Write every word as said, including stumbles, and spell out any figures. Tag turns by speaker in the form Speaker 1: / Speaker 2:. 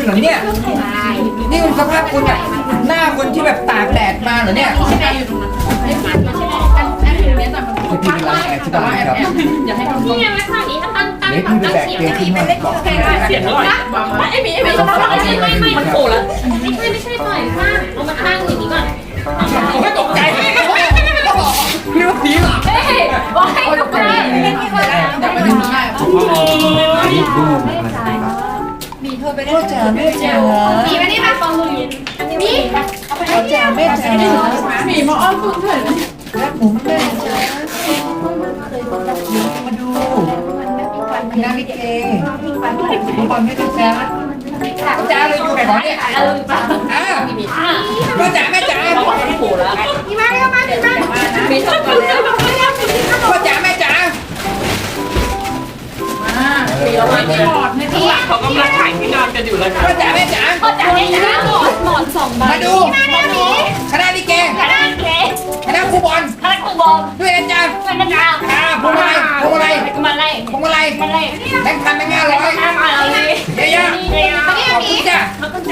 Speaker 1: เหรอเนี่ยนี่มันสภาพคุณอะหน้าคนที่แบบตากแดดมาเหรอเนี่ย
Speaker 2: ใช่ไหมอยู่ตรงนั้นไม่ใช่ไม่ใช่แอนแอนอยู่ตรงนี้แต่มัน
Speaker 1: พี่เป็นร้านแอร์ที่ตลาดครับ
Speaker 2: อย่าให้มัน
Speaker 3: นี่ไงไม่ข้างนี้ถ้าตั้งตั้ง
Speaker 1: เดี๋ยว
Speaker 3: ตั้
Speaker 1: พี่
Speaker 3: ง
Speaker 1: ไป
Speaker 3: ตั้ง
Speaker 1: แบก
Speaker 3: เสียง
Speaker 1: เตียง
Speaker 3: ไม่
Speaker 1: ขึ้นมาบอก
Speaker 2: เสียงอร่อยไอ้มีไอ้มีไม่ไม่ไม่มันโผล่แล้ว
Speaker 3: ไม่ใช่ไม่ใช่ปล่อยข้างเอามาข้างอย่างนี้ก่อน
Speaker 2: ไม่ตกใจ
Speaker 1: พี่ว่าผีเหรอ
Speaker 3: เฮ้ยบอกให้ตกใจ
Speaker 2: อย่าไปดูง่าย
Speaker 1: พ่อจ๋าแม่จ๋า
Speaker 3: มีไหมนี่มาฟังดูมี
Speaker 1: พ่อจ๋าแม่จ๋า
Speaker 2: มีมาอ้อนคุณเถอะ
Speaker 1: รักหมูมากแม่จ๋ามาดูคณะลิเกทุกคนไม่ได้จ้าพ่อจ๋าเลยอยู่ไหนของเนี่ย
Speaker 3: เออป่ะ
Speaker 1: อ่า
Speaker 3: มีอ่ะ
Speaker 1: พ่อจ๋าแม่จ๋า
Speaker 2: เขาบอกมันโผล่แล้ว
Speaker 3: มีมาแล้วมาถึงมามีชอบกันแล้ว
Speaker 1: พ่อจ๋าแม่จ๋า
Speaker 2: มีแล้วมันกอดในข้างหลังเขากำลังถ่ายที่นอนกันอยู่เลยค่ะ
Speaker 1: พ่อจ๋าแม่จ๋า
Speaker 3: พอจ่ายได้จ้าหมอนหมอนสองใบ
Speaker 1: มาดูคณะลิเก
Speaker 3: คณะเล็ก
Speaker 1: คณะครูบอล
Speaker 3: คณะครูบอล
Speaker 1: ด้วยนะจ๊ะ
Speaker 3: เป็นนักข่าว
Speaker 1: อ่าพวงมาลัยพวงมาลัย
Speaker 3: มาไล่
Speaker 1: พวงมาลัย
Speaker 3: มาไล่
Speaker 1: แบงค์พันแบงค์ห้าร้อย
Speaker 3: มาอะไร
Speaker 1: เยอะๆขอบคุณจ้ะ
Speaker 3: เขาก็ใจ